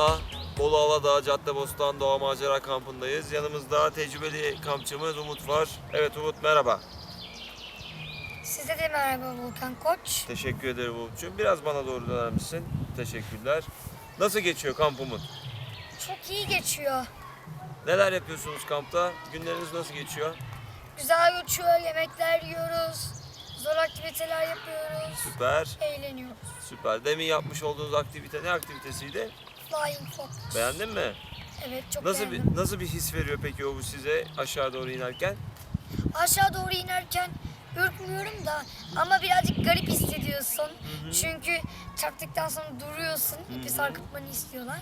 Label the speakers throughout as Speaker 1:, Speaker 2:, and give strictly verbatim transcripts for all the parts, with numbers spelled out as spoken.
Speaker 1: daha Bolu Aladağ Caddebostan Doğa Macera Kampı'ndayız. Yanımızda tecrübeli kampçımız Umut var. Evet Umut, merhaba.
Speaker 2: Size de merhaba Volkan Koç.
Speaker 1: Teşekkür ederim Umut'cuğum. Biraz bana doğru döner misin? Teşekkürler. Nasıl geçiyor kamp Umut?
Speaker 2: Çok iyi geçiyor.
Speaker 1: Neler yapıyorsunuz kampta? Günleriniz nasıl geçiyor?
Speaker 2: Güzel geçiyor, yemekler yiyoruz. Zor aktiviteler yapıyoruz.
Speaker 1: Süper.
Speaker 2: Eğleniyoruz.
Speaker 1: Süper. Demin yapmış olduğunuz aktivite ne aktivitesiydi?
Speaker 2: Flying Fox.
Speaker 1: Beğendin mi?
Speaker 2: Evet, çok
Speaker 1: Nasıl
Speaker 2: beğendim.
Speaker 1: bir nasıl bir his veriyor peki o bu size aşağı doğru inerken?
Speaker 2: Aşağı doğru inerken ürkmüyorum da ama birazcık garip hissediyorsun.
Speaker 1: Hı hı.
Speaker 2: Çünkü çarptıktan sonra duruyorsun. İpi sarkıtmanı istiyorlar.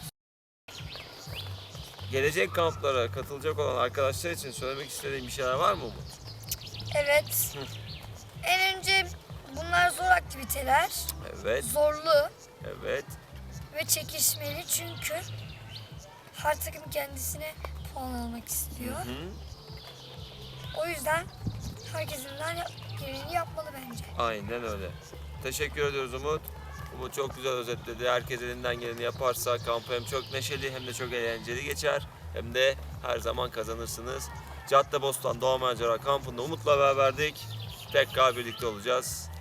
Speaker 1: Gelecek kamplara katılacak olan arkadaşlar için söylemek istediğin bir şeyler var mı Umut?
Speaker 2: Evet.
Speaker 1: Hı.
Speaker 2: En önce bunlar zor aktiviteler.
Speaker 1: Evet,
Speaker 2: Zorlu
Speaker 1: evet.
Speaker 2: ve çekişmeli çünkü her takım kendisine puan almak istiyor.
Speaker 1: Hı.
Speaker 2: O yüzden herkesinden gereğini yapmalı bence.
Speaker 1: Aynen öyle. Teşekkür ediyoruz Umut. Umut çok güzel özetledi. Herkes elinden geleni yaparsa kampı hem çok neşeli hem de çok eğlenceli geçer. Hem de her zaman kazanırsınız. Caddebostan Doğa Macera Kampı'nda Umut'la beraberdik. Tekrar birlikte olacağız.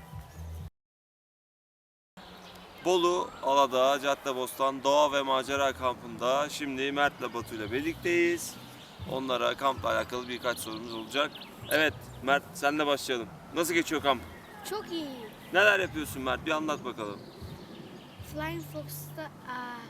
Speaker 1: Bolu Aladağ Caddebostan Doğa ve Macera Kampı'nda şimdi Mert'le Batu ile birlikteyiz. Onlara kampla alakalı birkaç sorumuz olacak. Evet Mert, senle başlayalım. Nasıl geçiyor kamp?
Speaker 3: Çok iyi.
Speaker 1: Neler yapıyorsun Mert? Bir anlat bakalım.
Speaker 3: Flying Fox'ta aa,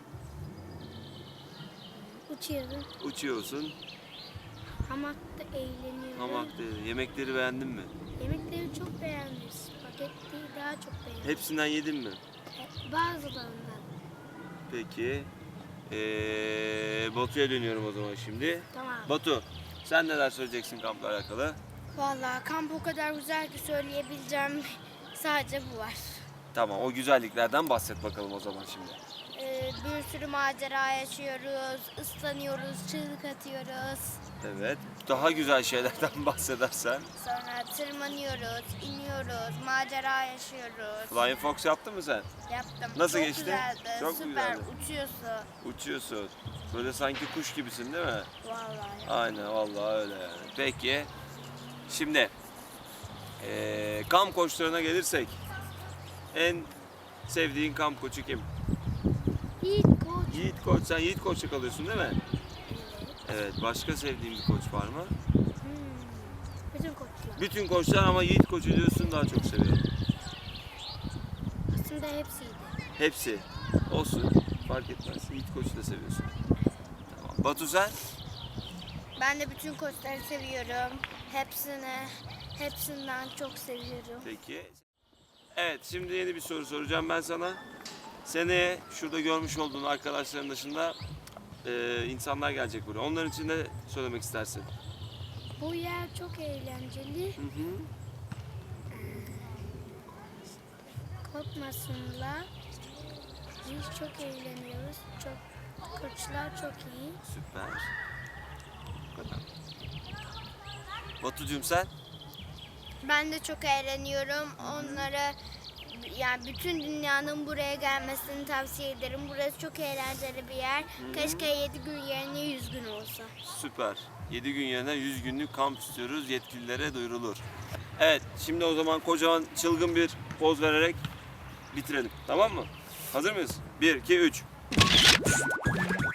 Speaker 3: uçuyorum.
Speaker 1: Uçuyorsun.
Speaker 3: Hamakta eğleniyorum.
Speaker 1: Hamakta. Yemekleri beğendin mi?
Speaker 3: Yemekleri çok beğendim. Spagettiyi daha çok beğendim.
Speaker 1: Hepsinden yedin mi?
Speaker 3: E, Bazılarından.
Speaker 1: Peki. Ee, Batu'ya dönüyorum o zaman şimdi.
Speaker 3: Tamam.
Speaker 1: Batu, sen neler söyleyeceksin kampla alakalı?
Speaker 3: Vallahi kamp o kadar güzel ki söyleyebileceğim sadece bu var.
Speaker 1: Tamam, o güzelliklerden bahset bakalım o zaman şimdi.
Speaker 3: Ee, bir sürü macera yaşıyoruz, ıslanıyoruz, çığlık atıyoruz.
Speaker 1: Evet. Daha güzel şeylerden bahsedersen.
Speaker 3: Sonra tırmanıyoruz, iniyoruz, macera yaşıyoruz.
Speaker 1: Flying Fox yaptın mı sen?
Speaker 3: Yaptım.
Speaker 1: Nasıl
Speaker 3: çok
Speaker 1: geçti?
Speaker 3: Güzeldi.
Speaker 1: Çok mu
Speaker 3: Süper.
Speaker 1: güzeldi?
Speaker 3: Uçuyorsun.
Speaker 1: Uçuyorsun. Böyle sanki kuş gibisin değil mi?
Speaker 3: Vallahi.
Speaker 1: Aynen, vallahi öyle yani. Peki. Şimdi ee, kamp koçlarına gelirsek en sevdiğin kamp koçu kim?
Speaker 3: İyi koç.
Speaker 1: Yiğit Koç. Sen Yiğit Koç'ta kalıyorsun değil mi?
Speaker 3: Evet.
Speaker 1: Evet. Başka sevdiğin bir koç var mı?
Speaker 3: Hmm. Bütün koçlar.
Speaker 1: Bütün koçlar ama Yiğit Koç'u diyorsun daha çok seviyorum.
Speaker 3: Aslında hepsiydi.
Speaker 1: Hepsi. Olsun. Fark etmez. Yiğit Koç'u da seviyorsun. Tamam. Batu sen?
Speaker 3: Ben de bütün koçları seviyorum. Hepsini, hepsinden çok seviyorum.
Speaker 1: Peki. Evet. Şimdi yeni bir soru soracağım ben sana. Seneye şurada görmüş olduğun arkadaşların dışında e, insanlar gelecek buraya. Onların için ne söylemek istersin?
Speaker 3: Bu yer çok eğlenceli.
Speaker 1: Hı hı.
Speaker 3: Korkmasınlar. Biz çok eğleniyoruz. Çok koçlar çok iyi.
Speaker 1: Süper. Bu kadar. Batucuğum sen?
Speaker 3: Ben de çok eğleniyorum. Onlara yani bütün dünyanın buraya gelmesini tavsiye ederim. Burası çok eğlenceli bir yer. Keşke yedi gün yerine yüz gün olsa.
Speaker 1: Süper. yedi gün yerine yüz günlük kamp istiyoruz. Yetkililere duyurulur. Evet, şimdi o zaman kocaman çılgın bir poz vererek bitirelim. Tamam mı? Hazır mıyız? bir, iki, üç.